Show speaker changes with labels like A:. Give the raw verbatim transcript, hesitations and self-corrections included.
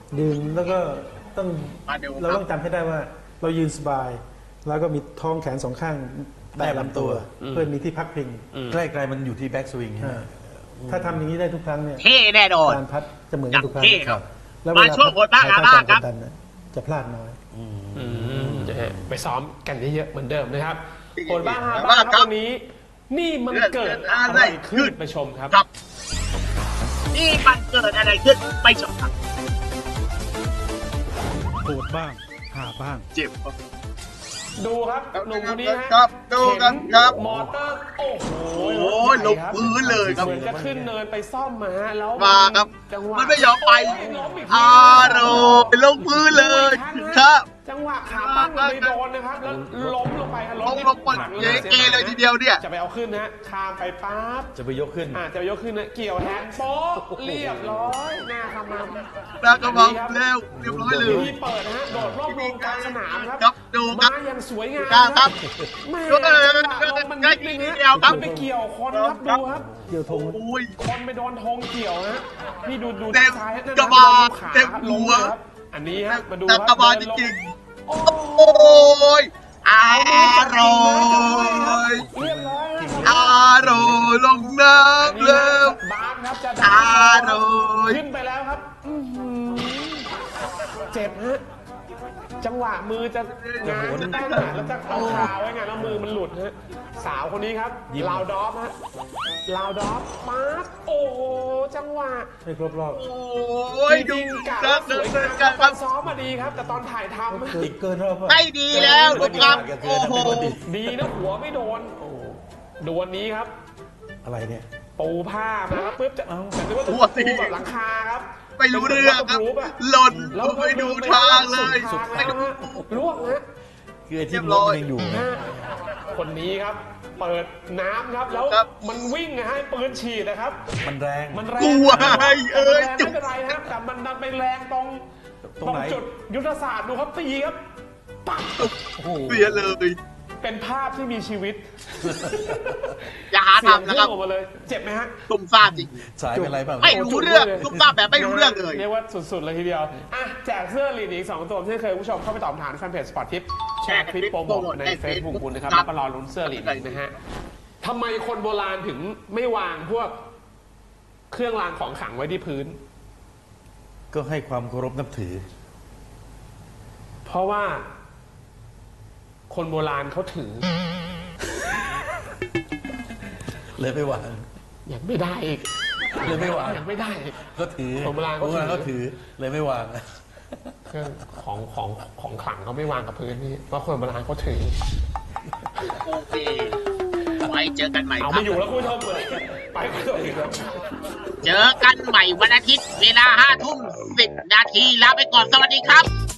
A: ยืนแล้วก็ต้องเราต้องจำให้ได้ว่าเรายืนสบาย แล้วก็มีท้องแขนสองข้างแตะลำตัวเพื่อมีที่พักพิง
B: ใกล้ๆมันอยู่ที่แบ็กสวิง
A: ถ้าทำอย่างนี้ได้ทุกครั้งเนี่ย
C: เท่แน่นอน
A: การพัดจะเหมือนกันทุกครั้ง
C: แล้วมาช่วงบทบ้างอาบ้างครับ
A: จะพลาดน้อย
D: ไปซ้อมกันเยอะๆเหมือนเดิมนะครับบทบ้างอาบ้างครับวันนี้นี่มันเกิดอะไรขึ้นไปชมครับ
C: นี่มันเกิดอะไรขึ้นไปชมครับ
B: โหดบ้างหาบ้าง
C: เจ็บ
D: ดูครับหนุ่มคนนี้ฮะ
C: ครับดูกันครับ
D: มอเตอร์โอ้โห
C: โอ้ยลงพื้นเลยครับ
D: เหมือนจะขึ้นเนินไปซ่อมมาฮะแล้ว
C: มาครับมันไม่ยอมไปอารมณ์ลงพื้นเลยครับ
D: จังหวะขาตั้งไปโดนนะครับแล้วล้มลงไปครับ
C: ล้มลงไปเย้เกเลยทีเดียวเนี่ย
D: จะไปเอาขึ้นนะข้ามไปปั๊บ
B: จะไปยกขึ้น
D: อ่าจะไปยกขึ้นนะเกี่ยวแฮนด์โป๊ะเรียบร้อยหน้าขมำ
C: หน้าขมำเร็วเรียบร้อยเลย
D: ที่เปิดนะฮะโดดรอบวงกลางสนามครับ
C: ครับดู
D: มาอย่างสวยงาม
C: ครับ
D: แม่มัน
C: นิด
D: นึงฮะ
C: ครับ
D: ไปเกี่ยวคนครับดูครับ
A: เกี่ยวธง
D: คนไปโดนธงเกี่ยวฮะนี่ดูดู
C: ด้าน
D: ซ้ายนั่น
C: กระบาด
D: ขา
C: เต็มหัว
D: อันนี้ฮะมาดู
C: ครับกระบาดจริงโอ้ยอร่อย
D: เรียบร้อย
C: อร่อยลงน้ำเร็ว
D: บ้านครับจะ
C: อร่อย
D: ขึ้นไปแล้วครับเจ็บฮะจังหวะมือจะงานจะตั้งหาแล้วจะเอาขาไว้ไงแล้วมือมันหลุดฮะสาวคนนี้ครับลาวดอฟฮะลาวดอฟมาร์คโอ้โหจังหวะ
A: ไม่ครบรอบ
C: โอ้ยดู
D: กะสวยงามตอนซ้อมมาดีครับแต่ตอนถ่ายทำ
A: เกินรอบ
C: ไม่ดีแล้วดูครับโอ้โห
D: ดีนะหัวไม่โดนโอ้ดวลนี้ครับ
A: อะไรเนี่ย
D: ปูผ้ามาครับปุ๊บจะเอาแต่ว่า
C: หัวตี
D: แบบหลังคาครับ
C: ไม่รู้เรื่องครับหล่นไม่ดูทางเลย
D: ไม่ดูล่วงฮะ
B: คือที่ล้มยังอยู่
D: คนนี้ครับเปิดน้ำครับแล้วมันวิ่งนะฮะปืนฉีดนะครับ
B: มันแรง
D: มันแรง
C: กลัวเอ้ย
D: ไม่เป็นไรครับแต่มันดันไปแรงตรงตรงจุดยุทธศาสตร์ดูครับตีครับปัก
C: เสียเลย
D: เป็นภาพที่มีชีวิต
C: อย่าหาทำนะครับ
D: เจ็บไหมฮะ
C: ตุ่มซ่าจริง
B: สายเป็นไรบ้าง
C: ไม่รู้เรื่องตุ่มซ่าแบบไม่รู้เรื่องเลย
D: เรียกว่าสุดๆเลยทีเดียวอ่ะแจกเสื้อลีดอีกสองตัวที่เคยผู้ชมเข้าไปตอบคำถามแฟนเพจสปอร์ตทิปแชร์คลิปโปรโมทใน เฟซบุ๊ก คุณนะครับแล้วก็รอลุ้นเสื้อลีดนะฮะทำไมคนโบราณถึงไม่วางพวกเครื่องรางของขลังไว้ที่พื้น
B: ก็ให้ความเคารพนับถือ
D: เพราะว่าคนโบราณเขาถือ
B: เลยไม่วาง
D: อยากไม่ได้อีก
B: เลยไม่วาง
D: อยากไม่ได้
B: ก็ถือ
D: คนโบราณ
B: เขาถือเลยไม่วาง
D: เครื่องของของของขลังเขาไม่วางกับพื้นนี่เพราะคนโบราณเขาถือ
C: โอเคไว้เจอกันใหม่
D: เอาไม่อยู่แล้วคุณผู้ชมเลยไปกันต่ออีกแล้ว
C: เจอกันใหม่วันอาทิตย์เวลาห้าทุ่มสิบนาทีลาไปก่อนสวัสดีครับ